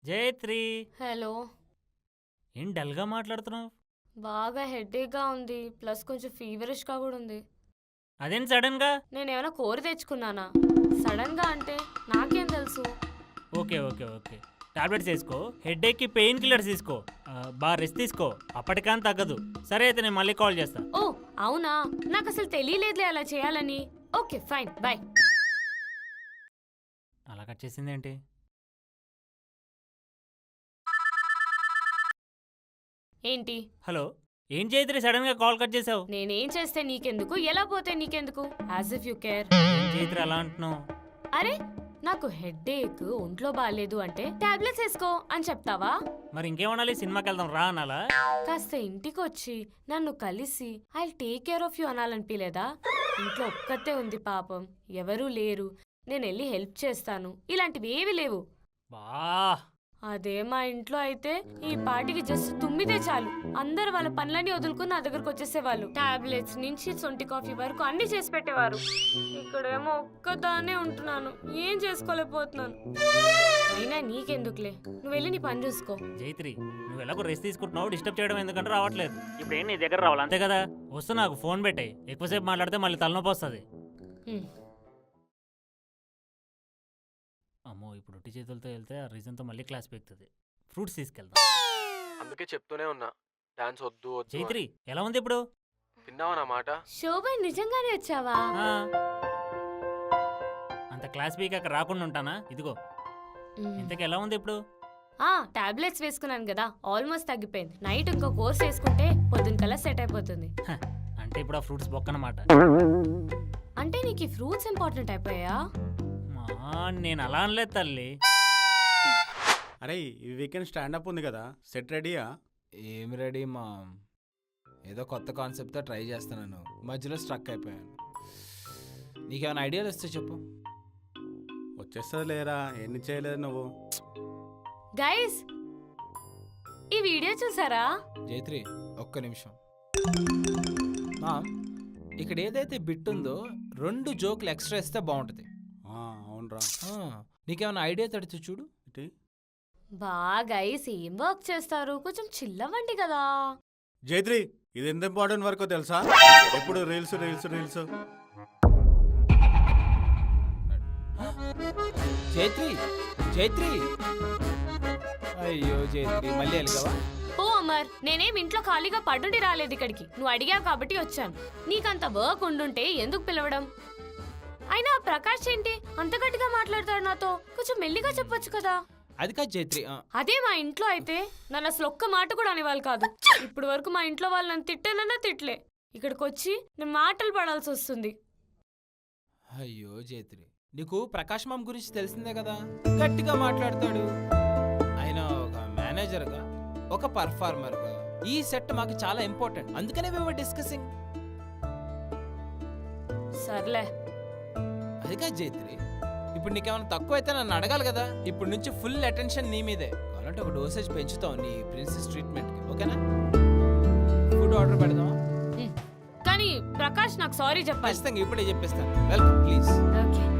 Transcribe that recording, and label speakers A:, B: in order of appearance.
A: Jayatri,
B: hello.
A: ఏం డల్గా మాట్లాడుతున్నావు?
B: బాగా హెడేక్గా ఉంది, ప్లస్ కొంచెం ఫీవరిష్గా కూడా ఉంది.
A: అదేం సడన్గా?
B: నేనేమైనా కోరి తెచ్చుకున్నానా? సడన్గా అంటే నాకేం తెలుసు.
A: ఓకే ఓకే ఓకే టాబ్లెట్స్ వేసుకో, హెడేక్కి పెయిన్ కిల్లర్స్ తీసుకో, బాగా రెస్ట్ తీసుకో, అప్పటికని తగ్గదు. సరే అయితే నేను మళ్ళీ కాల్ చేస్తా.
B: ఓ అవునా, నాకు అసలు తెలియలేదులే అలా చేయాలని. Okay fine, bye.
A: అలా కట్ చేసింది ఏంటి?
B: ఏంటి?
A: హలో, ఏం జయత్రి సడన్గా కాల్ కట్ చేసావు?
B: నేనేం చేస్తే నీకెందుకు, ఎలా పోతే నీకెందుకు, యాజ్ ఇఫ్ యూ కేర్.
A: ఏం జయత్రి అలా అంటున్నావు?
B: అరే, నాకు హెడేక్, ఒంట్లో బాగాలేదు అంటే టాబ్లెట్స్ వేసుకో అని చెప్తావా?
A: మరి ఇంకేమనాలి, సినిమాకి వెళ్దాం రా అనాలా?
B: కాస్త ఇంటికి వచ్చి నన్ను కలిసి I take care of you అనాలనిపించలేదా? ఇంట్లో ఒక్కతే ఉంది పాపం, ఎవరూ లేరు, నేను వెళ్ళి హెల్ప్ చేస్తాను, ఇలాంటివి ఏవి లేవు.
A: బా,
B: అదే మా ఇంట్లో అయితే ఈ పాటికి జస్ట్ తుమ్మితే చాలు అందరు వాళ్ళ పనులన్నీ వదులుకుని నా దగ్గరకు వచ్చేసేవాళ్ళు. టాబ్లెట్స్ నుంచి సొంటి కాఫీ వరకు అన్ని చేసి పెట్టేవారు. ఇక్కడేమో ఒక్కదానే ఉంటున్నాను, ఏం చేసుకోలేకపోతున్నాను. అయినా నీకెందుకులే, నువ్వు వెళ్ళి నీ పని చూసుకో.
A: జయత్రి నువ్వు ఎలాగో రెస్ట్ తీసుకుంటున్నావు, డిస్టర్బ్ చేయడం ఎందుకంటే రావట్లేదు. ఇప్పుడు ఏం నీ దగ్గర రావాలి అంతే కదా? వస్తూ నాకు ఫోన్ పెట్టాయి, ఎక్కువసేపు మాట్లాడితే మళ్ళీ తలనొప్పి వస్తుంది. అమ్మో, ఇప్పుడు ఒట్టి చేతులతో వెళ్తే ఆ రీజన్తో మళ్ళీ క్లాస్ పెరుగుతుంది. ఫ్రూట్స్ తీసుకెళ్తాం.
C: అందుకే చెప్తూనే ఉన్నా డాన్స్ వద్దు వద్దు అని.
A: జైత్రి ఎలా ఉంది ఇప్పుడు?
C: విన్నావా నా మాట?
B: శోభన్ నిజంగానే వచ్చావా?
A: ఆ, అంత క్లాస్ వీక్ అక్కడ రాకుండా ఉంటానా? ఇదిగో, ఇంతకు ఎలా ఉంది ఇప్పుడు?
B: టాబ్లెట్స్ వేసుకున్నాను కదా, ఆల్మోస్ట్ తగ్గిపోయింది. నైట్ ఇంకో కోర్స్ వేసుకుంటే పొద్దున కల్లా సెట్ అయిపోతుంది.
A: అంటే ఇప్పుడు ఆ ఫ్రూట్స్ బొక్కనమాట.
B: అంటే నీకు ఈ ఫ్రూట్స్ ఇంపార్టెంట్ అయిపోయా?
A: నేను అలా అనలేదు తల్లి.
D: అరే, ఈ వీకెండ్ స్టాండప్ ఉంది కదా, సెట్ రెడీయా?
E: ఏం రెడీ మా, ఏదో కొత్త కాన్సెప్ట్తో ట్రై చేస్తున్నాను, మధ్యలో స్ట్రక్ అయిపోయాను. నీకేమైనా ఐడియాలు వస్తే చెప్పు.
D: వచ్చేస్తుంది లేరా, ఎన్ని చేయలేదు నువ్వు.
B: గైస్, ఈ వీడియో చూసారా?
E: జైత్రి ఒక్క నిమిషం. మా, ఇక్కడ ఏదైతే బిట్ ఉందో 2 జోకులు ఎక్స్ట్రా ఇస్తే బాగుంటుంది.
D: అవునరా,
E: నీకేమైనా ఐడియా తడితే చూడు.
B: బా గైస్, ఏం వర్క్ చేస్తారు, కొంచెం చిల్లవండి కదా.
D: జైత్రి ఇది ఎంత ఇంపార్టెంట్ వర్కో తెలుసా? ఎప్పుడు reels reels reels.
E: Jaitri Jaitri, అయ్యో జైత్రి మళ్ళీ వెళ్ళగవా?
B: ఓ అమర్, నేనేం ఇంట్లో ఖాళీగా పడుండి రాలేదు ఇక్కడికి, నువ్వు అడిగావు కాబట్టి వచ్చాను. నీకంత వర్క్ ఉండుంటే ఎందుకు పిలవడం? అయినా ప్రకాష్ ఏంటి అంత గట్టిగా మాట్లాడతాడు నాతో, కొంచెం మెల్లిగా చెప్పొచ్చు కదా.
E: అది కాదు జైత్రి.
B: అదే మా ఇంట్లో అయితే నన్ను అసలు ఒక్క మాట కూడా అనేవాళ్ళు కాదు. ఇప్పుడు వరకు మా ఇంట్లో వాళ్ళు నన్ను తిట్టానన్నా తిట్లే, ఇక్కడికి వచ్చి నేను మాటలు పడాల్సి వస్తుంది.
E: అయ్యో జైత్రి, నీకు ప్రకాష్ మామ్ గురించి తెలిసిందే కదా, గట్టిగా మాట్లాడతాడు. ఆయన ఒక మేనేజర్గా, ఒక పర్ఫార్మర్గా ఈ సెట్ మాకు చాలా ఇంపార్టెంట్, అందుకనే మేము డిస్కసింగ్.
B: సర్లే.
E: అది కాదు జైత్రి, ఇప్పుడు నీకేమైనా తక్కువ అయితే నన్ను అడగాలి కదా. ఇప్పుడు నుంచి ఫుల్ అటెన్షన్ నీ మీదే. కావాలంటే ఒక డోసేజ్ పెంచుతావు నీ ప్రిన్సెస్ ట్రీట్మెంట్కి, ఓకేనా? ఫుడ్ ఆర్డర్ పెడదామా?
B: కానీ ప్రకాష్ నాకు సారీ చెప్పాలి.
E: ఖచ్చితంగా ఇప్పుడే చెప్పేస్తాను. Welcome please.
B: ఓకే.